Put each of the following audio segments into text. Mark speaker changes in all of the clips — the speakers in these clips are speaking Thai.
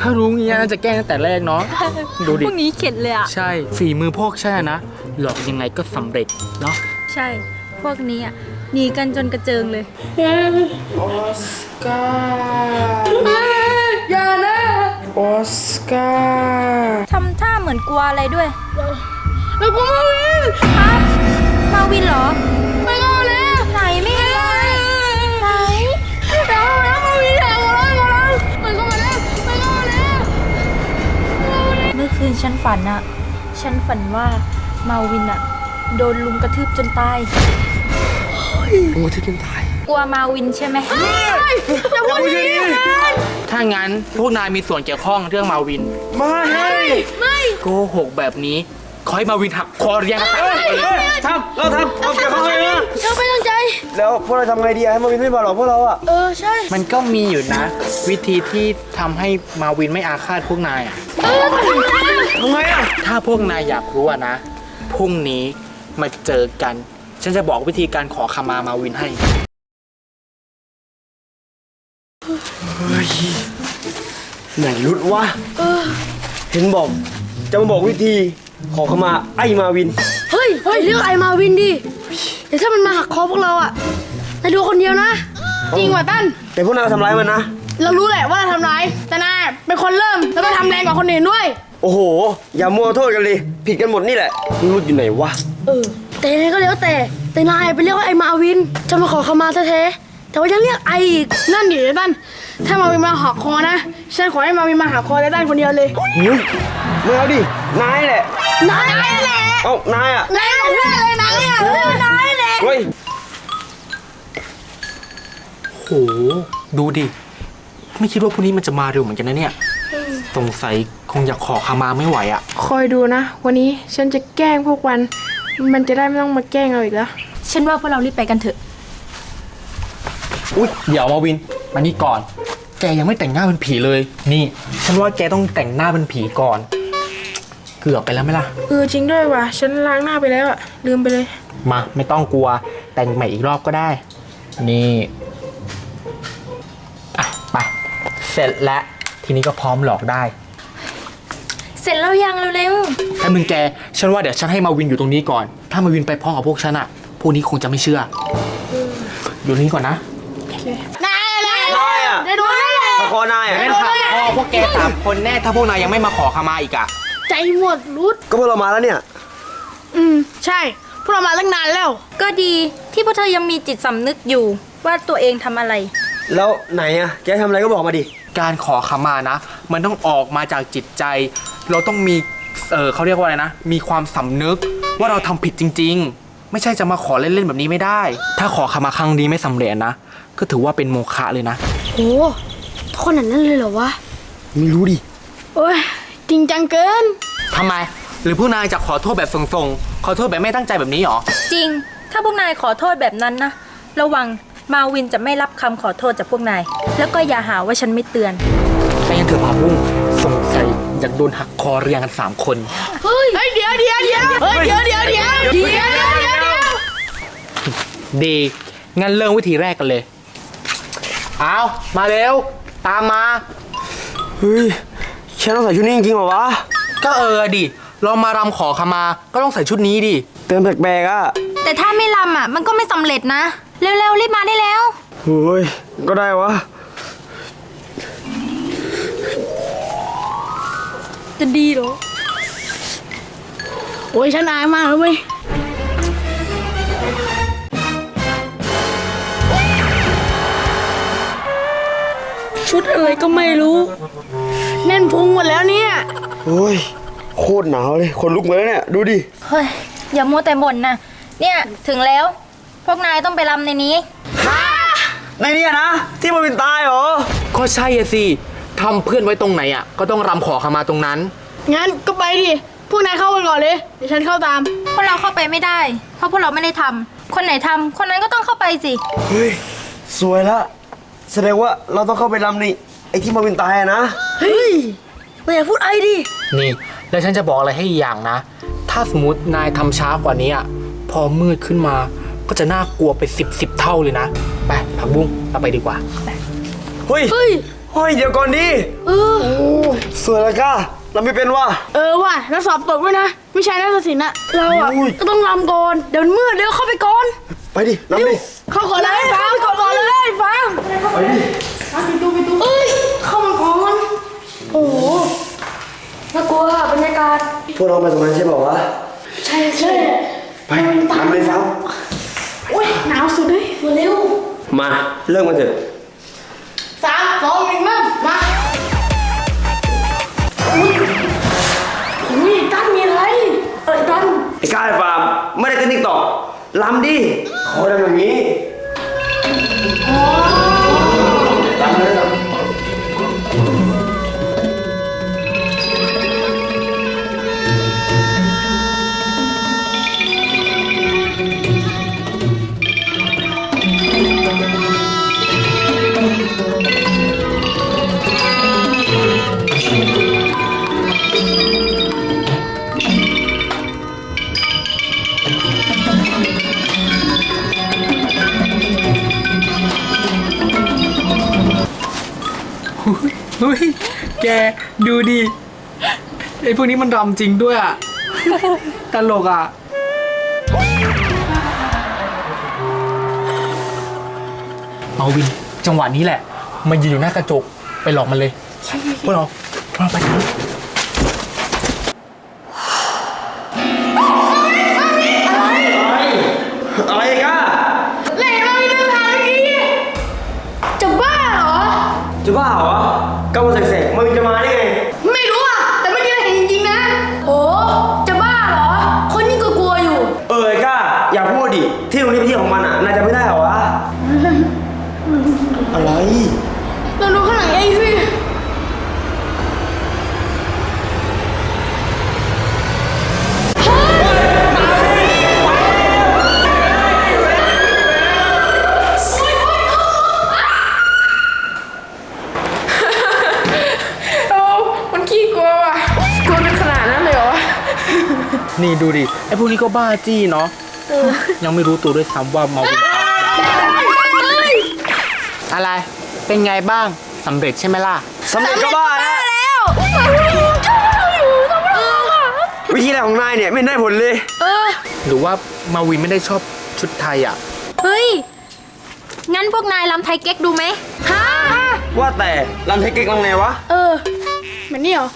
Speaker 1: ถ้ารู้งี้น่าจะแกล้งตั้งแต่แรกเนาะดูดิ
Speaker 2: พวกนี้เข็ดเลยอ่ะ
Speaker 1: ใช่ฝีมือพวกฉันนะหลอกยังไงก็สำเร็จเนาะ
Speaker 2: ใช่ พวกนี้อ่ะหนีกันจนกระเจิงเลย
Speaker 1: ออสการ์อย่านะออสการ์
Speaker 2: ทำท่าเหมือนกลัวอะไรด้วย
Speaker 3: แล้วกูมาวิน
Speaker 2: ฮะมาวินเหรอ
Speaker 3: ไม่ก็แล้ว
Speaker 2: ไหนไม่เห็นเลยไหน
Speaker 3: แล้วมาวินแล้วมันก็มาแล้วมันก็มาแล้ว
Speaker 2: เมื่อคืนฉันฝันอ่ะ ฉันฝันว่ามาวินอ่ะ โดนลุมกระทืบจนตาย
Speaker 1: โอ้ที่จนตาย
Speaker 2: กลัวมาวินใช่ไหม
Speaker 3: อย่าพูดอย่างนี้
Speaker 1: ถ้างั้นพวกนายมีส่วนเกี่ยวข้องเรื่องมาวินไม่โกหกแบบนี้ขอให้มาวินหักคอเรียงกันไป
Speaker 4: เราทำเกี่ยวข้องเลยนะ
Speaker 3: เราไม่ตั้งใจ
Speaker 4: แล้วพวกเราทำไงดีให้มาวินไม่มาหรอกพวกเราอะ
Speaker 3: ใช่
Speaker 1: มันก็มีอยู่นะ วิธีที่ทำให้มาวินไม่อาฆาตพวกนายอะ
Speaker 4: ทำไงอะ
Speaker 1: ถ้าพวกนายอยากรู้อะนะพรุ่งนี้มาเจอกัน ฉันจะบอกวิธีการขอขมาวินให้
Speaker 4: ไหนรุดวะเห็นบอกจะมาบอกวิธีขอขมาไอ้มาวิน
Speaker 3: เฮ้ยเรื่องไอมาวินดิเดี๋ยวถ้ามันมาหักคอพวกเราอ่ะนายดูคนเดียวนะ จริงว่ะตั้น
Speaker 4: แต่พวกนายทำร้ายมันนะ
Speaker 3: เรารู้แหละว่าเราทำร้าย แต่นายเป็นคนเริ่ม แล้วก็ทำแรงกว่าคนอื่นด้วย
Speaker 4: โอ้โห อย่ามัวโทษกันเลยผิดกันหมดนี่แหละรุดอยู่ไหนวะ
Speaker 3: แต่ยังไงก็แล้วแต่นายไปเรียกว่าไอมาวิน จะมาขอขมาแท้ๆแต่ว่ายังเรียกไออีก นั่นดิไอ้ตั้นถ้ามาวินมาหักคอนะ ฉันขอให้มาวินมาหักคอไอ้ตั้นคนเดียวเลย
Speaker 4: เฮ้ยไม่เอาดินายแหละ
Speaker 3: นายแหละ
Speaker 4: เอ้านายอะ
Speaker 3: นายของเพื่อนเลยนายอ่ะนายแหละ
Speaker 4: เฮ้ย
Speaker 1: โหดูดิไม่คิดว่าพรุ่งนี้มันจะมาเร็วเหมือนกันนะเนี่ยสงสัยคงอยากขอขมาไม่ไหวอะ
Speaker 5: คอยดูนะ วันนี้ฉันจะแกล้งพวกมันจะได้ไม่ต้องมาแกล้งเราอีกแล้ว
Speaker 2: ฉันว่าพวกเรารีบไปกันเถอะ
Speaker 1: อุ๊ยเดี๋ยวมาวินมานี่ก่อน แกยังไม่แต่งหน้าเป็นผีเลย นี่ ฉันว่าแกต้องแต่งหน้าเป็นผีก่อน เกือบไปแล้วไหมล่ะ
Speaker 5: จริงด้วยว่ะ ฉันล้างหน้าไปแล้วอะลืมไปเลย
Speaker 1: มาไม่ต้องกลัวแต่งใหม่อีกรอบก็ได้ นี่อ่ะไปเสร็จแล้วทีนี้ก็พร้อมหลอกได้
Speaker 2: เสร็จแล้วยังเร็ว
Speaker 1: ถ้ามึงแกฉันว่าเดี๋ยวฉันให้มาวินอยู่ตรงนี้ก่อน ถ้ามาวินไปพร้อมกับพวกฉันอะพวกนี้คงจะไม่เชื่ออยู่นี่ก่อนนะ
Speaker 3: นายแหละ
Speaker 4: นายอะ
Speaker 3: นายดูนายแหละ
Speaker 4: มาคอนายอะ
Speaker 1: แม่นค่ะพ่อพวกแก3 คนแน่ถ้าพวกนายยังไม่มาขอขมาอีกอะ
Speaker 3: ใจหมดรุด
Speaker 4: ก็พวกเรามาแล้วเนี่ย
Speaker 3: ใช่ พวกเรามาตั้งนานแล้ว
Speaker 2: ๆ ก็ดีที่พวกเธอยังมีจิตสำนึกอยู่ว่าตัวเองทำอะไร
Speaker 4: แล้วไหนอะแกทำอะไรก็บอกมาดิ
Speaker 1: การขอขมานะ มันต้องออกมาจากจิตใจ เราต้องมีเขาเรียกว่าอะไรนะ มีความสำนึกว่าเราทำผิดจริง ๆ ไม่ใช่จะมาขอเล่นๆแบบนี้ไม่ได้ ถ้าขอขมาครั้งนี้ไม่สำเร็จนะ ก็ถือว่าเป็นโมฆะเลยนะ
Speaker 3: โอ้ขนาดนั้นเลยเหรอวะ
Speaker 4: ไม่รู้ดิ
Speaker 3: โอ้ย จริงจังเกิน
Speaker 1: ทำไม หรือพวกนายจะขอโทษแบบทรงๆ ขอโทษแบบไม่ตั้งใจแบบนี้หรอ
Speaker 2: จริง ถ้าพวกนายขอโทษแบบนั้นนะ ระวังมาวินจะไม่รับคำขอโทษจากพวกนาย แล้วก็อย่าหาว่าฉันไม่เตือน
Speaker 1: แต่ยังเถอะพาบุ้งสงสัยอยากโดนหักคอเรียงกัน3 คน
Speaker 3: เฮ้ย เดี๋ยวเฮ้ย เดี๋ยว
Speaker 1: ดี งั้นเริ่มวิธีแรกกันเลย เอามาเร็ว ตามมา
Speaker 4: เฮ้ยฉันต้องใส่ชุดนี้จริงๆเหรอวะ
Speaker 1: ก็ดิ เรามารำขอขมา ก็ต้องใส่ชุดนี้ดิ
Speaker 4: เตือนแปลกๆอะ
Speaker 2: แต่ถ้าไม่รำอ่ะ มันก็ไม่สำเร็จนะ เร็วๆรีบมาได้แล้ว
Speaker 4: เฮ้ยก็ได้วะ
Speaker 3: จะดีเหรอ โอ้ยฉันอายมากเลยเว้ย ชุดอะไรก็ไม่รู้ แน่นพุงหมดแล้วเนี่ย
Speaker 4: โอ้ยโคตรหนาวเลยคนลุกมาแล้วเนี่ยดูดิ
Speaker 2: เฮ้ย อย่ามัวแต่บ่นนะ เนี่ยถึงแล้ว พวกนายต้องไปรำในนี้
Speaker 4: ในนี้นะที่มันเป็นตายเหรอ
Speaker 1: ก็ใช่อะสิทำเพื่อนไว้ตรงไหนอะก็ต้องรำขอขมาตรงนั้น
Speaker 3: งั้นก็ไปดิ พวกนายเข้าไปก่อนเลย เดี๋ยวฉันเข้าตาม
Speaker 2: พวกเราเข้าไปไม่ได้ เพราะพวกเราไม่ได้ทำ คนไหนทำคนนั้นก็ต้องเข้าไปสิ
Speaker 4: เฮ้ยสวยละแสดงว่าเราต้องเข้าไปรำนี่ไอ้ที่มันเป็นตายอะนะ
Speaker 3: เฮ้ยนายอย่าพูดไอ้ดิ
Speaker 1: นี่ แล้วฉันจะบอกอะไรให้อีกอย่างนะ ถ้าสมมตินายทำช้ากว่านี้อะพอมืดขึ้นมาก็จะน่ากลัวไป10 เท่าเลยนะ ไปผักบุ้งเราไปดีกว่า
Speaker 4: เฮ้ย
Speaker 3: เฮ้ย
Speaker 4: โเฮ้ยเดี๋ยวก่อนดิ
Speaker 3: เออ
Speaker 4: สวยเลยก้าเราไม่เป็นว่ะ
Speaker 3: ว่ะแล้วสอบตกด้วยนะวิชานาฏศิลป์อะเราอะ
Speaker 4: อุ้ย
Speaker 3: ก็ต้องรำก่อนเดี๋ยวมืดเดี๋ยวเข้าไปก่อน
Speaker 4: ไปดิน้ำดิ
Speaker 3: เข้าก่อนเลยฟางเข้าก่อนเลยฟาง
Speaker 4: ไปดิ
Speaker 3: เอ้ยเข้ามาก่อนโอ้โหน่ากลัวบรรยากาศ
Speaker 4: พวกเรามาตรงนั้นใช่เปล่าวะ
Speaker 3: ใช่ใช่
Speaker 4: ไปตามเลยฟ้า
Speaker 3: โอ้ยหนาวสุดเลยมาเร็ว
Speaker 4: มาเริ่มกันเถอะ
Speaker 3: 3 2 1เริ่มมาอุ้ยตั้นมีอะไรตั้น
Speaker 4: ไอ้ก้าไอ้ฟาร์มไม่ได้เต้นติ๊กตอกลำดิขอทำอย่างนี้ลำเลยลำ
Speaker 1: เฮ้ย แกดูดิไอ้พวกนี้มันรำจริงด้วยอ่ะ ตลกอ่ะ เอาวิน จังหวะนี้แหละ มันยืนอยู่หน้ากระจก ไปหลอกมันเลยพวกเราไปกัน
Speaker 4: อะไรก้า
Speaker 3: เล่มามีเรื่องทางเมื่อกี้จะบ้าเหรอ
Speaker 4: จะบ้าเหรอก้าวันแสกๆมันจะมาได้ไง
Speaker 3: ไม่รู้อ่ะแต่เมื่อกี้เราเห็นจริงๆนะโอ้จะบ้าเหรอ คนยิ่งกลัวๆอยู่
Speaker 4: ไอ้ก้าอย่าพูดดิที่ตรงนี้เป็นที่ของมันอ่ะนายจะไม่ได้เหรอวะ อะไร
Speaker 3: เราดูข้างหลังเองสิ
Speaker 5: มันขี้กลัวว่ะกลัวเป็นขนาดนั้นเลยเหรอ
Speaker 1: นี่ดูดิ ไอ้พวกนี้ก็บ้าจี้เนาะ ยังไม่รู้ตัวด้วยซ้ำว่ามาวินอะไร เป็นไงบ้าง สำเร็จใช่ไหมล่ะ
Speaker 4: สำเร็จก็บ้าแล้ววิธีอะไรของนายเนี่ยไม่ได้ผลเลย
Speaker 1: หรือว่ามาวินไม่ได้ชอบชุดไทยอ่ะ
Speaker 2: เฮ้ย งั้นพวกนายลำไทยเก๊กดูไหมฮะ
Speaker 4: ว่าแต่ลำไทยเก๊กลำไงวะ
Speaker 3: เหมือนนี่เหรอ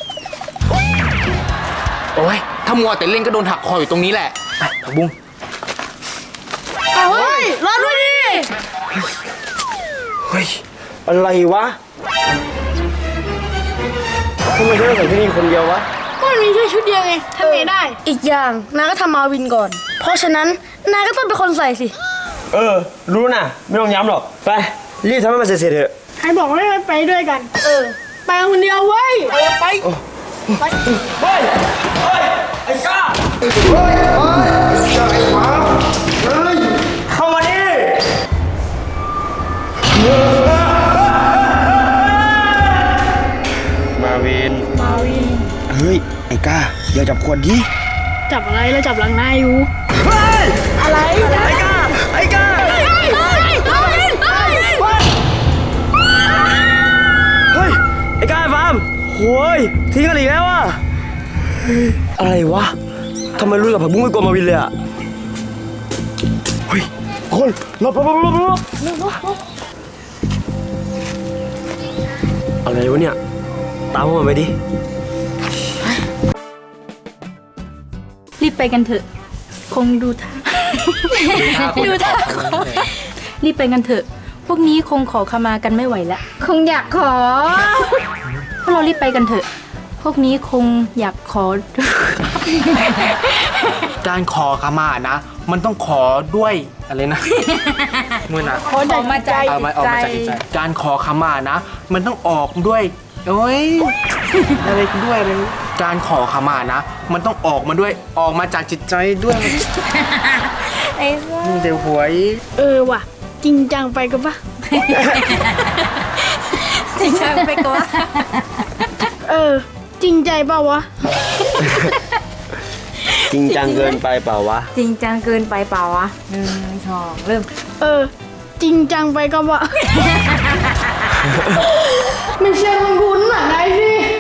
Speaker 1: โอ้ย ถ้ามัวแต่เล่นก็โดนหักคออยู่ตรงนี้แหละ ไปผักบุ้ง
Speaker 3: เอาเฮ้ยรอด้วยดิ
Speaker 4: เฮ้ย อะไรวะทำไมฉันต้องใส่ที่นี่คนเดียววะ
Speaker 3: ก็มันมีแค่ชุดเดียวไงทำไงได้ อีกอย่างนายก็ทำมาวินก่อน เพราะฉะนั้นนายก็ต้องเป็นคนใส่สิ
Speaker 4: รู้นะไม่ต้องย้ำหรอก ไป รีบทำให้มันเสร็จๆเถอะ
Speaker 3: ใครบอกว่าไม่ไปด้วยกัน ไปกันคนเดียวเว้ย ไป
Speaker 4: เฮ้ย เฮ้ย ไอ้ก้า เฮ้ย ไอ้หมาเฮ้ย เข้ามาดิมาวิน เฮ้ย ไอ้ก้าอย่าจับขวดดิ
Speaker 3: จับอะไรแล้วจับหลังนายอยู่
Speaker 4: เฮ้ย
Speaker 3: อะไร
Speaker 4: ไอ้ก้า ไอ้ก้า เฮ้ย ไอ้ก้าไอ้ฟาร์มโว้ยทิ้งกันอีกแล้วอ่ะเฮ้ยอะไรวะทำไมรู้กับผักบุ้งไม่กลัวมาวินเลยอ่ะ เฮ้ยคนหลบอะไรวะเนี่ย ตามพวกมันไปดิ
Speaker 2: รีบไปกันเถอะ คงดูท่า ดูท่ารีบไปกันเถอะ พวกนี้คงขอขมากันไม่ไหวแล้ว คงอยากขอ พวกเรารีบไปกันเถอะ พวกนี้คงอยากขอ
Speaker 1: การขอขมานะ มันต้องขอด้วยอะไรนะ เมื่อนะ
Speaker 2: ขอมาใจ
Speaker 1: ออกมาจากจิตใจ การขอขมานะ มันต้องออกด้วยโอ้ย อะไรด้วยอะไรการขอขมานะ มันต้องออกมาด้วย ออกมาจากจิตใจด้วย
Speaker 2: ไอ้ซ่า
Speaker 1: เดี๋ยวหวย
Speaker 3: ว่ะ จริงจังไปกันปะ
Speaker 2: จริงจังไปก่อน
Speaker 3: จริงใจเปล่าวะ
Speaker 4: จริงจังเกินไปเปล่าวะ
Speaker 2: จริงจังเกินไปเปล่าวะ1 2เริ่ม
Speaker 3: จริงจังไปก็วะไม่ใช่คุ้นๆหนังไงสิ